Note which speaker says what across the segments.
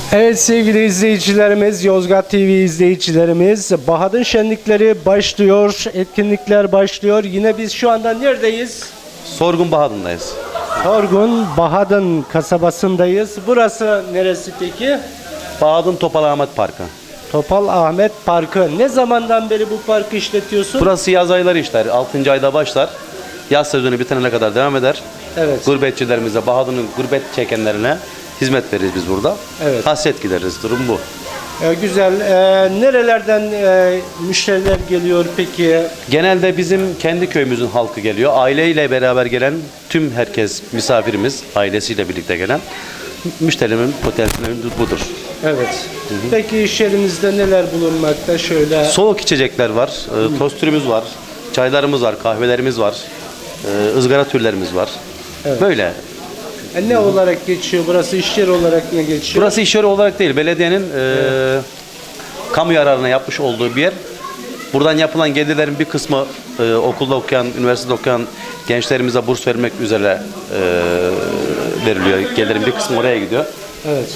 Speaker 1: Evet sevgili izleyicilerimiz, Yozgat TV izleyicilerimiz, Bahadın şenlikleri başlıyor, etkinlikler başlıyor. Yine biz şu anda neredeyiz?
Speaker 2: Sorgun Bahadır'dayız.
Speaker 1: Sorgun Bahadın kasabasındayız. Burası neresi peki?
Speaker 2: Bahadın Topal Ahmet Parkı.
Speaker 1: Topal Ahmet Parkı. Ne zamandan beri bu parkı işletiyorsun?
Speaker 2: Burası yaz ayları işler. 6. ayda başlar. Yaz sezonu bitene kadar devam eder.
Speaker 1: Evet.
Speaker 2: Gurbetçilerimize, Bahadır'ın gurbet çekenlerine hizmet veririz biz burada.
Speaker 1: Evet.
Speaker 2: Hasret gideriz. Durum bu.
Speaker 1: Güzel. Nerelerden müşteriler geliyor peki?
Speaker 2: Genelde bizim kendi köyümüzün halkı geliyor. Aileyle beraber gelen tüm herkes misafirimiz, ailesiyle birlikte gelen müşterimin potansiyeli budur.
Speaker 1: Evet. Peki iş yerinizde neler bulunmakta? Şöyle.
Speaker 2: Soğuk içecekler var, tostürümüz var, çaylarımız var, kahvelerimiz var, ızgara türlerimiz var.
Speaker 1: Evet.
Speaker 2: Böyle.
Speaker 1: Ne olarak geçiyor? Burası iş yeri olarak ne geçiyor?
Speaker 2: Burası iş yeri olarak değil, belediyenin kamu yararına yapmış olduğu bir yer. Buradan yapılan gelirlerin bir kısmı okulda okuyan, üniversitede okuyan gençlerimize burs vermek üzere veriliyor. Gelirin bir kısmı oraya gidiyor.
Speaker 1: Evet.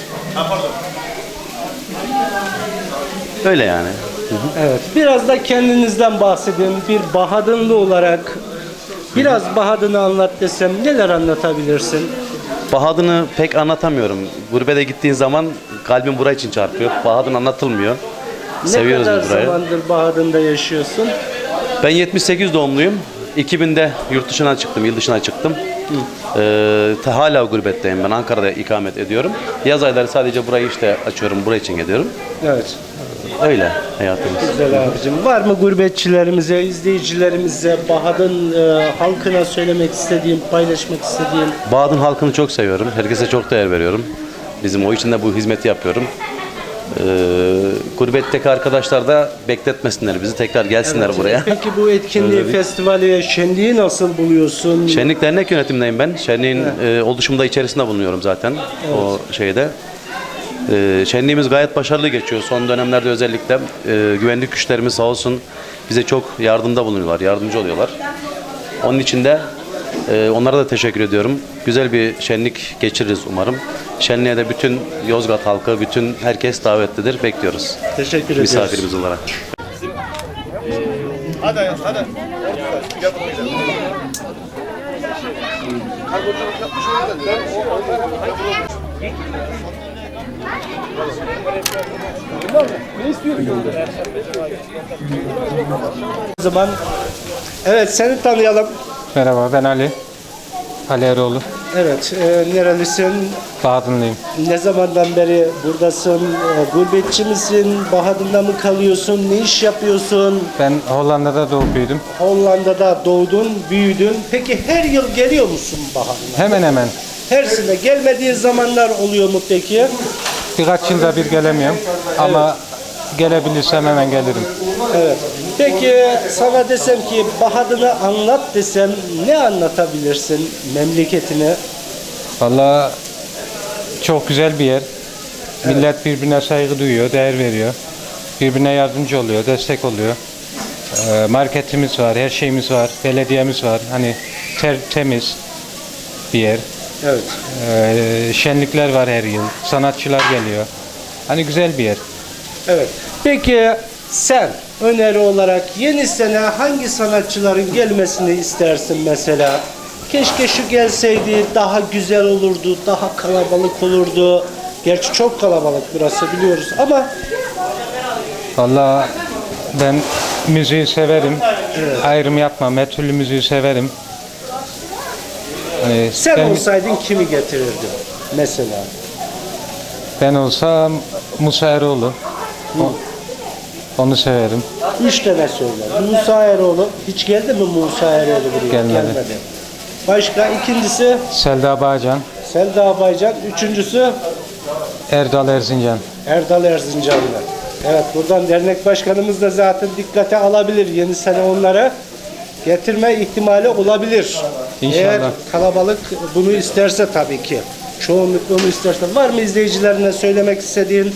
Speaker 2: Öyle yani.
Speaker 1: Evet. Biraz da kendinizden bahsedin. Bir Bahadınlı olarak biraz Bahadın'ı anlat desem neler anlatabilirsin?
Speaker 2: Bahadır'ı pek anlatamıyorum. Gurbete gittiğin zaman kalbim buraya için çarpıyor. Bahadır anlatılmıyor. Seviyoruz
Speaker 1: Ne kadar
Speaker 2: biz burayı.
Speaker 1: zamandır Bahadın'da yaşıyorsun?
Speaker 2: Ben 78 doğumluyum. 2000'de yurt dışına çıktım, yıl dışına çıktım. Hala gurbetteyim. Ben Ankara'da ikamet ediyorum. Yaz ayları sadece burayı işte açıyorum, buraya için geliyorum.
Speaker 1: Evet.
Speaker 2: Öyle hayatımız.
Speaker 1: Güzel abicim. Var mı gurbetçilerimize, izleyicilerimize, Bahadın halkına söylemek istediğin, paylaşmak istediğin?
Speaker 2: Bahadır halkını çok seviyorum. Herkese çok değer veriyorum. Bizim o için de bu hizmeti yapıyorum. Gurbetteki arkadaşlar da bekletmesinler bizi. Tekrar gelsinler buraya.
Speaker 1: Peki bu etkinliği, festivali, şenliği nasıl buluyorsun?
Speaker 2: Şenlik Dernek yönetimindeyim ben. Şenliğin oluşumda içerisinde bulunuyorum zaten. O şeyde. Şenliğimiz gayet başarılı geçiyor. Son dönemlerde özellikle güvenlik güçlerimiz sağ olsun bize çok yardımda bulunuyorlar, yardımcı oluyorlar. Onun için de onlara da teşekkür ediyorum. Güzel bir şenlik geçiririz umarım. Şenliğe de bütün Yozgat halkı, bütün herkes davetlidir. Bekliyoruz.
Speaker 1: Teşekkür ediyoruz.
Speaker 2: Misafirimiz olarak.
Speaker 3: Hadi hadi.
Speaker 1: O zaman evet seni tanıyalım.
Speaker 4: Merhaba, ben Ali. Ali Eroğlu.
Speaker 1: Evet, nerelisin?
Speaker 4: Bahadırlıyım.
Speaker 1: Ne zamandan beri buradasın? Gurbetçi misin? Bahadır'da mı kalıyorsun? Ne iş yapıyorsun?
Speaker 4: Ben Hollanda'da doğup büyüdüm.
Speaker 1: Hollanda'da doğdun, büyüdün. Peki her yıl geliyor musun Bahadır'a?
Speaker 4: Hemen hemen.
Speaker 1: Her sene gelmediğin zamanlar oluyor mu peki?
Speaker 4: Birkaç yılda bir gelemiyorum. Ama gelebilirsem hemen gelirim.
Speaker 1: Evet. Peki sana desem ki Bahadır'ı anlat desem ne anlatabilirsin memleketine?
Speaker 4: Vallahi çok güzel bir yer. Millet birbirine saygı duyuyor, değer veriyor. Birbirine yardımcı oluyor, destek oluyor. Marketimiz var, her şeyimiz var, belediyemiz var. Hani temiz bir yer.
Speaker 1: Evet.
Speaker 4: Şenlikler var her yıl. Sanatçılar geliyor. Hani güzel bir yer.
Speaker 1: Evet. Peki sen öneri olarak yeni sene hangi sanatçıların gelmesini istersin mesela? Keşke şu gelseydi daha güzel olurdu, daha kalabalık olurdu. Gerçi çok kalabalık burası biliyoruz ama
Speaker 4: Vallahi ben müziği severim. Ayrım yapmam. Her türlü müziği severim. Hani
Speaker 1: sen olsaydın kimi getirirdin mesela?
Speaker 4: ben olsam Musa Eroğlu. Onu severim.
Speaker 1: 3 tane söyle. Musa Eroğlu. Hiç geldi mi Musa Eroğlu buraya?
Speaker 4: Gelmedi.
Speaker 1: Başka ikincisi
Speaker 4: Selda Bağcan,
Speaker 1: Selda Baycan. Üçüncüsü
Speaker 4: Erdal Erzincan.
Speaker 1: Erdal Erzincanlı. Evet buradan dernek başkanımız da zaten dikkate alabilir. Yeni sene onlara getirme ihtimali olabilir.
Speaker 4: İnşallah.
Speaker 1: Eğer kalabalık bunu isterse tabii ki. Çoğunluk bunu isterse. Var mı izleyicilerine söylemek istediğin?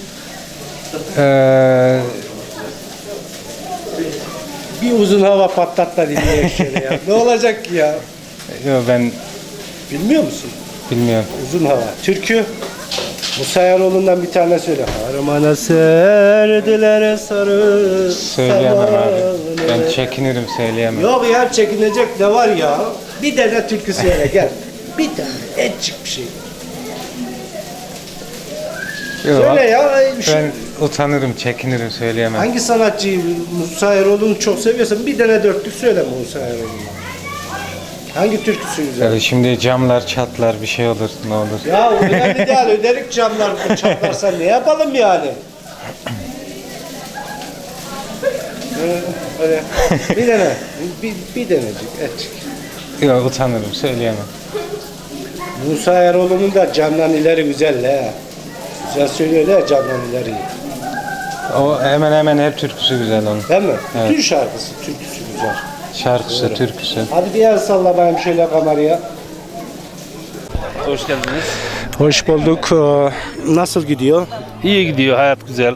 Speaker 1: Bir uzun hava patlat da dinleyelim şöyle ya. Ne olacak ki ya?
Speaker 4: Yo, ben
Speaker 1: Bilmiyor musun?
Speaker 4: bilmiyorum.
Speaker 1: Uzun hava. Türkü. Musa Eroğlu'ndan bir tane söyle. Harmana serdiler sarı.
Speaker 4: Söyleyemem abi. Ben
Speaker 1: samanı.
Speaker 4: çekinirim, söyleyemem.
Speaker 1: Yok ya, çekinecek ne var ya? Bir tane türkü söyle gel. Bir tane etçik bir şey.
Speaker 4: Yok,
Speaker 1: Söyle ya.
Speaker 4: ben utanırım, çekinirim, söyleyemem.
Speaker 1: Hangi sanatçıyı Musa Eroğlu'nu çok seviyorsan bir tane dörtlük söyle Musa Eroğlu'na. Hangi türküsü güzel?
Speaker 4: Yani şimdi camlar çatlar, bir şey olur, ne olur.
Speaker 1: Ya önemli değil, öderik camlar çatlarsa ne yapalım yani? Öyle. Bir tane, bir denecik etçik.
Speaker 4: Yok, utanırım, söyleyemem.
Speaker 1: Musa Eroğlu'nun da camdan ileri güzel he. Güzel söylüyor he, camdan ileri.
Speaker 4: O hemen hemen her türküsü güzel onun.
Speaker 1: Değil mi?
Speaker 4: Evet.
Speaker 1: Bütün şarkısı, türküsü güzel.
Speaker 4: Şarkısı, türküsü.
Speaker 1: Hadi bir el salla bakayım şöyle kameraya.
Speaker 3: Hoş geldiniz.
Speaker 1: Hoş bulduk. Nasıl gidiyor?
Speaker 3: İyi gidiyor, hayat güzel.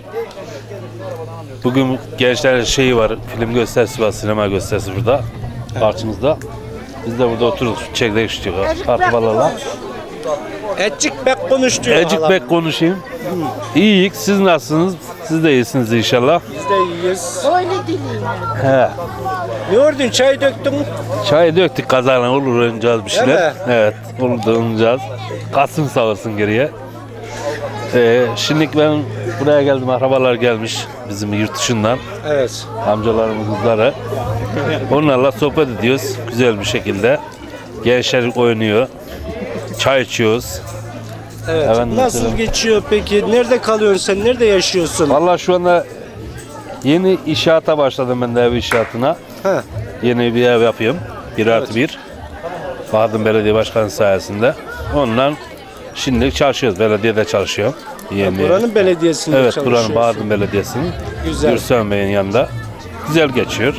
Speaker 3: Bugün gençler şeyi var, film gösterisi var, sinema gösterisi burada, karşımızda. Biz de burada oturduk, çekirdek içiyoruz, arkadaşlarla.
Speaker 1: Etçik bek konuştu.
Speaker 3: Ecik bek konuşayım. İyiyik, siz nasılsınız? Siz de iyisiniz inşallah.
Speaker 1: Biz de iyiyiz.
Speaker 3: He.
Speaker 1: Ne ördün? Çay döktün.
Speaker 3: Çay döktük kazana, olur oynayacağız bir şeyler.
Speaker 1: Değil mi?
Speaker 3: Evet, olur da oynayacağız. Kasım sağ olsun geriye. Şimdi ben buraya geldim, akrabalar gelmiş bizim yurt dışından.
Speaker 1: Evet.
Speaker 3: Amcalarımın kızları. Onlarla sohbet ediyoruz güzel bir şekilde. Gençler oynuyor. Çay içiyoruz.
Speaker 1: Evet.
Speaker 3: Efendim,
Speaker 1: Nasıl
Speaker 3: mesela.
Speaker 1: geçiyor peki? Nerede kalıyorsun sen? Nerede yaşıyorsun?
Speaker 3: Vallahi şu anda yeni inşaata başladım ben de, ev inşaatına.
Speaker 1: Ha.
Speaker 3: Yeni bir ev yapıyorum. 1+1. Bahadır Belediye Başkanı sayesinde. Ondan şimdi çalışıyoruz. Belediyede çalışıyorum. Yeni.
Speaker 1: Buranın belediyesinde
Speaker 3: Evet,
Speaker 1: çalışıyorsun.
Speaker 3: buranın Bahadır Belediyesi'nin.
Speaker 1: Güzel.
Speaker 3: Gürsel Bey'in yanında. Güzel geçiyor.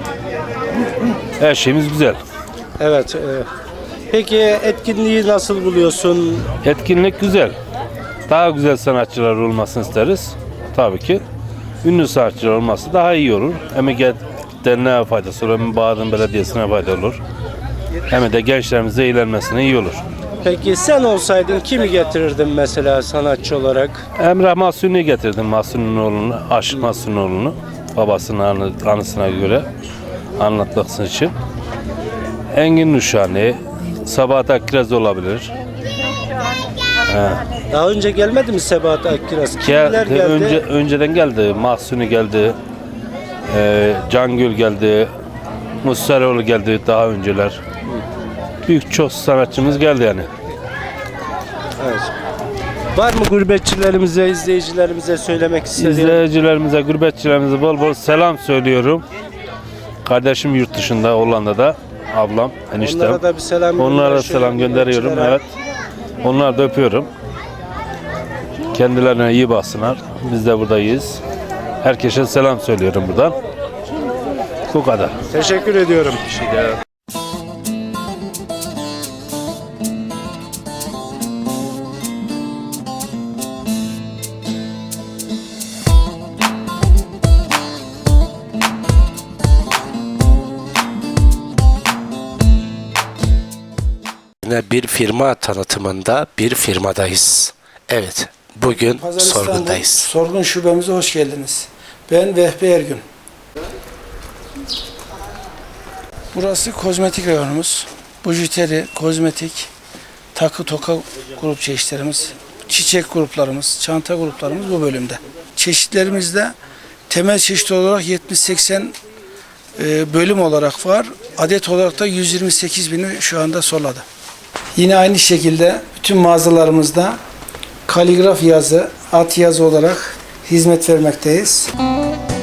Speaker 3: Her şeyimiz güzel.
Speaker 1: Evet. Peki etkinliği nasıl buluyorsun?
Speaker 3: Etkinlik güzel. Daha güzel sanatçılar olmasını isteriz. Tabii ki. Ünlü sanatçılar olması daha iyi olur. Hem derneğe faydası olur, hem Bahadır Belediyesi'ne fayda olur. Hem de gençlerimize eğlenmesine iyi olur.
Speaker 1: Peki sen olsaydın kimi getirirdin mesela sanatçı olarak?
Speaker 3: Emrah Mahsuni'yi getirdim, Mahsuni'nin oğlunu, Aşık Mahsuni'nin oğlunu. Babasının anısına göre anlatması için. Engin Nuşani, Sabahat Akkiraz olabilir.
Speaker 1: Daha önce gelmedi mi Sebahat Akkiraz? Kimler geldi?
Speaker 3: Önceden geldi. Mahsuni geldi. Cangül geldi. Mussaroğlu geldi daha önceler. Büyük çok sanatçımız geldi yani.
Speaker 1: Evet. Var mı gurbetçilerimize, izleyicilerimize söylemek istediğin?
Speaker 3: İzleyicilerimize, gurbetçilerimize bol bol selam söylüyorum. Kardeşim yurt dışında, Hollanda'da. Ablam, eniştem.
Speaker 1: Onlara da bir selam
Speaker 3: Onlara da
Speaker 1: gönder,
Speaker 3: selam
Speaker 1: şöyle
Speaker 3: gönderiyorum.
Speaker 1: gurbetçilere.
Speaker 3: Evet. Onları da öpüyorum. Kendilerine iyi baksınlar. Biz de buradayız. Herkese selam söylüyorum buradan. Bu kadar.
Speaker 1: Teşekkür ediyorum.
Speaker 5: Yine bir firma tanıtımında bir firmadayız. Evet, bugün
Speaker 6: Pazar İstanbul
Speaker 5: sorgundayız.
Speaker 6: Sorgun şubemize hoş geldiniz. Ben Vehbi Ergün. Burası kozmetik reyonumuz. Bujiteri, kozmetik, takı toka grup çeşitlerimiz, çiçek gruplarımız, çanta gruplarımız bu bölümde. Çeşitlerimizde temel çeşit olarak 70-80 bölüm olarak var. Adet olarak da 128 bini şu anda soladı. Yine aynı şekilde bütün mağazalarımızda kaligraf yazı, at yazı olarak hizmet vermekteyiz.